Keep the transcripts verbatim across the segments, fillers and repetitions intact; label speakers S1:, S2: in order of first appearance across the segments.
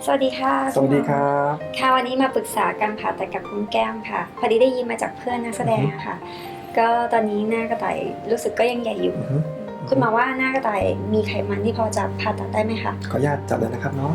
S1: สวัสดีค่ะ
S2: สวัสดีครับ
S1: ค่ะวันนี้มาปรึกษาการผ่าตัดกับคุณแก้มค่ะพอดีได้ยินมาจากเพื่อนนักแสดงอะค่ะก็ตอนนี้หน้ากระต่ายรู้สึกก็ยังใหญ่อยู่คุณหมอว่าหน้ากระต่ายมีไขมันที่พอจะผ่าตัดได้ไหมคะ
S2: ขออนุญาตจับเลยนะครับเนาะ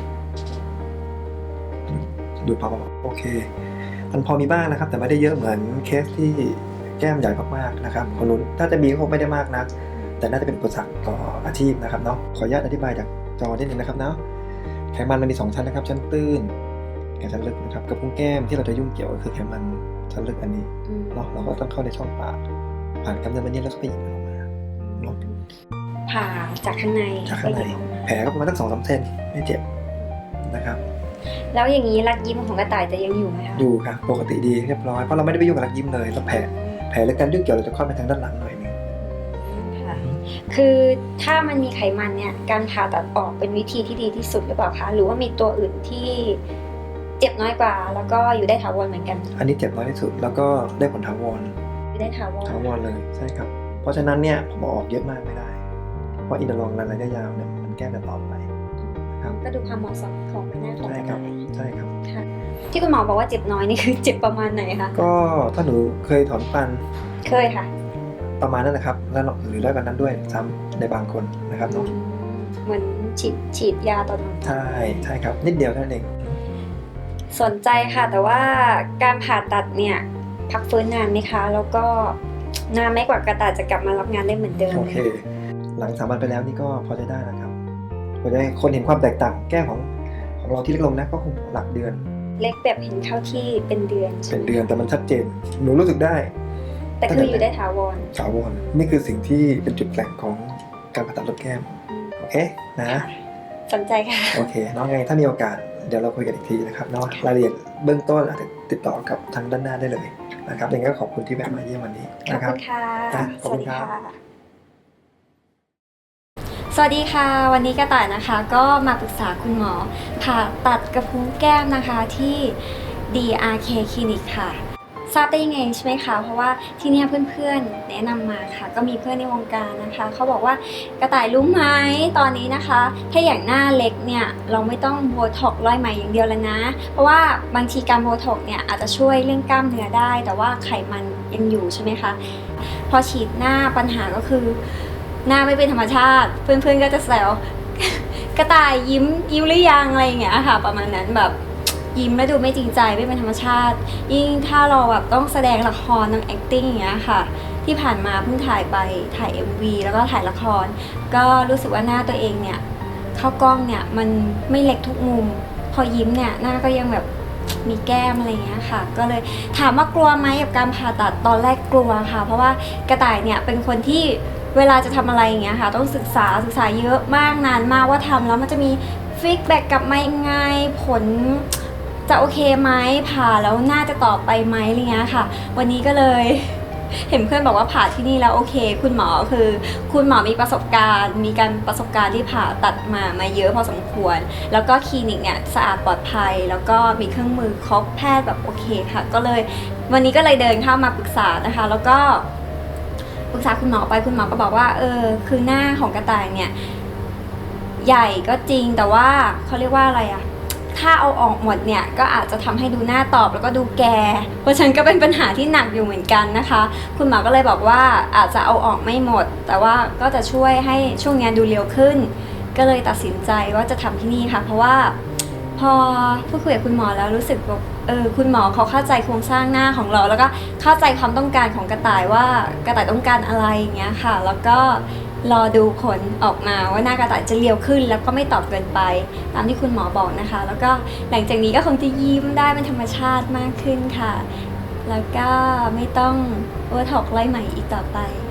S2: ดูพอโอเคมันพอมีบ้างนะครับ แต่ไม่ได้เยอะเหมือนเคสที่แก้มใหญ่มากๆนะครับคนนู้นถ้าจะมีก็คงไม่ได้มากนักแต่น่าจะเป็นอุปสรรคต่ออาชีพนะครับเนาะขออนุญาตอธิบายจากจอนิดนึงนะครับเนาะไขมันมันมีสองชั้นนะครับชั้นตื้นกับชั้นลึกนะครับกับพุ้งแก้มที่เราจะยุ่งเกี่ยวก็คือไขมันชั้นลึกอันนี้เนาะเราก็ต้องเข้าในช่องปากผ่านกำเนิดมันนี้แล้วก็ไปหยิบมันออกมาเนาะ
S1: ผ่าจากข้างใน
S2: จากข้างในแผลก็ประมาณตั้งสองสามเซนไม่เจ็บนะครับ
S1: แล้วอย่างนี้รักยิ้มของกระต่ายจะยังอยู่ไหมคะ
S2: อยู่ค่ะปกติดีเรียบร้อยเพราะเราไม่ได้ไปยุ่งกับรักยิ้มเลยแล้วแผลแผลและการยุ่งเกี่ยวเราจะค่อยไปทางด้านหลังหน่อยนึง
S1: ค่ะคือถ้ามันมีไขมันเนี่ยการผ่าตัดออกเป็นวิธีที่ดีที่สุดหรือเปล่าคะหรือว่ามีตัวอื่นที่เจ็บน้อยกว่าแล้วก็อยู่ได้ถาวรเหมือนกัน
S2: อันนี้เจ็บน้อยที่สุดแล้วก็ได้ผลถาวร
S1: อยู่ได้ถาวร
S2: ถาวรเลยใช่ครับเพราะฉะนั้นเนี่ยผมออกเยอะมากไม่ได้เพราะอินเตอร์ลองระยะยาวเนี่ยมันแก้แต่ต่อไปครับ
S1: ก็ดูความเหมาะสมของใบหน้าของกระต่าย
S2: ใช่ครับ
S1: ค่ะที่คุณหมอบอกว่าเจ็บน้อยนี่คือเจ็บประมาณไหนคะ
S2: ก็ถ้าหนูเคยถอนฟัน
S1: เคยค่ะ
S2: ประมาณนั้นนะครับแล้วหรือได้กันนั้นด้วยซ้ำในบางคนนะครับเนาะ
S1: เหมือนฉีดฉีดยาตอน
S2: ใช่ใช่ครับนิดเดียวเท่านั้นเอง
S1: สนใจค่ะแต่ว่าการผ่าตัดเนี่ยพักฟื้นนานไหมคะแล้วก็นานไหมกว่ากระต่ายจะกลับมารับงานได้เหมือนเดิม
S2: โอเคหลังสามวันไปแล้วนี่ก็พอจะได้นะครับพอจะให้คนเห็นความแตกต่างแก้มของของเราที่เล็กลงนะก็คงหลักเดือน
S1: เล็กแบบเห็นเข้าที่เป็นเดือน
S2: เป็นเดือนแต่มันชัดเจนหนูรู้สึกได้
S1: แต่คืออยู่ได้ถาวร
S2: ถาวรนี่คือสิ่งที่เป็นจุดแข็งของการผ่าตัดลดแก้มโอเคนะ
S1: สนใจค่ะ
S2: โอเคน้องไงถ้ามีโอกาสเดี๋ยวเราคุยกันอีกทีนะครับเนาะรายละเอียดเบื้องต้นอาจจะติดต่อกับทางด้านหน้าได้เลยนะครับยังไงก็ขอบคุณที่แวะมาเยี่ยมวันนี้นะครับ
S1: ขอบคุณค่ะ
S2: ขอบคุณครับ
S1: สวัสดีค่ะวันนี้กระต่ายนะคะก็มาปรึกษาคุณหมอผ่าตัดกระพุ้งแก้มนะคะที่ ดี อาร์ เค Clinic ค่ะทราบได้ยังไงใช่ไหมคะเพราะว่าที่นี่เพื่อนๆแนะนำมาค่ะก็มีเพื่อนในวงการนะคะเขาบอกว่ากระต่ายรู้ไหมตอนนี้นะคะถ้าอย่างหน้าเล็กเนี่ยเราไม่ต้องโบท็อกซ์ร้อยไหมอย่างเดียวแล้วนะเพราะว่าบางทีการโบท็อกซ์เนี่ยอาจจะช่วยเรื่องกล้ามเนื้อได้แต่ว่าไขมันยังอยู่ใช่ไหมคะพอฉีดหน้าปัญหาก็คือหน้าไม่เป็นธรรมชาติเพื่อนๆก็จะแซวกระต่ายยิ้มยิ้มหรือยังอะไรอย่างเงี้ยค่ะประมาณนั้นแบบยิ้มแล้วดูไม่จริงใจไม่เป็นธรรมชาติยิ่งถ้าเราแบบต้องแสดงละครต้อง acting อย่างเงี้ยค่ะที่ผ่านมาเพิ่งถ่ายไปถ่าย เอ็ม วี แล้วก็ถ่ายละครก็รู้สึกว่าหน้าตัวเองเนี่ยเข้ากล้องเนี่ยมันไม่เล็กทุกมุมพอยิ้มเนี่ยหน้าก็ยังแบบมีแก้มอะไรอย่างเงี้ยค่ะก็เลยถามว่ากลัวไหมกับการผ่าตัดตอนแรกกลัวค่ะเพราะว่ากระต่ายเนี่ยเป็นคนที่เวลาจะทำอะไรอย่างเงี้ยค่ะต้องศึกษาศึกษาเยอะมากนานมากว่าทำแล้วมันจะมีฟีดแบ็กกลับมายังไงผลจะโอเคไหมผ่าแล้วน่าจะต่อไปไหมอะไรเงี้ยค่ะวันนี้ก็เลยเห็นเพื่อนบอกว่าผ่าที่นี่แล้วโอเคคุณหมอคือคุณหมอมีประสบการณ์มีการประสบการณ์ที่ผ่าตัดมามาเยอะพอสมควรแล้วก็คลินิกเนี่ยสะอาดปลอดภัยแล้วก็มีเครื่องมือครบแพทย์แบบโอเคค่ะก็เลยวันนี้ก็เลยเดินเข้ามาปรึกษานะคะแล้วก็ปรึกษาคุณหมอไปคุณหมอก็บอกว่าเออคือหน้าของกระต่ายเนี่ยใหญ่ก็จริงแต่ว่าเขาเรียกว่าอะไรอะถ้าเอาออกหมดเนี่ยก็อาจจะทำให้ดูหน้าตอบแล้วก็ดูแก่เพราะฉะนั้นก็เป็นปัญหาที่หนักอยู่เหมือนกันนะคะคุณหมอก็เลยบอกว่าอาจจะเอาออกไม่หมดแต่ว่าก็จะช่วยให้ช่วงนี้ดูเร็วขึ้นก็เลยตัดสินใจว่าจะทำที่นี่ค่ะเพราะว่าพอพูดคุยกับคุณหมอแล้วรู้สึกว่าเออคุณหมอเขาเข้าใจโครงสร้างหน้าของเราแล้วก็เข้าใจความต้องการของกระต่ายว่ากระต่ายต้องการอะไรอย่างเงี้ยค่ะแล้วก็รอดูผลออกมาว่าหน้ากระต่ายจะเรียวขึ้นแล้วก็ไม่ตอบเกินไปตามที่คุณหมอบอกนะคะแล้วก็หลังจากนี้ก็คงจะยิ้มได้เป็นธรรมชาติมากขึ้นค่ะแล้วก็ไม่ต้องโบท็อกซ์ไล่ใหม่อีกต่อไป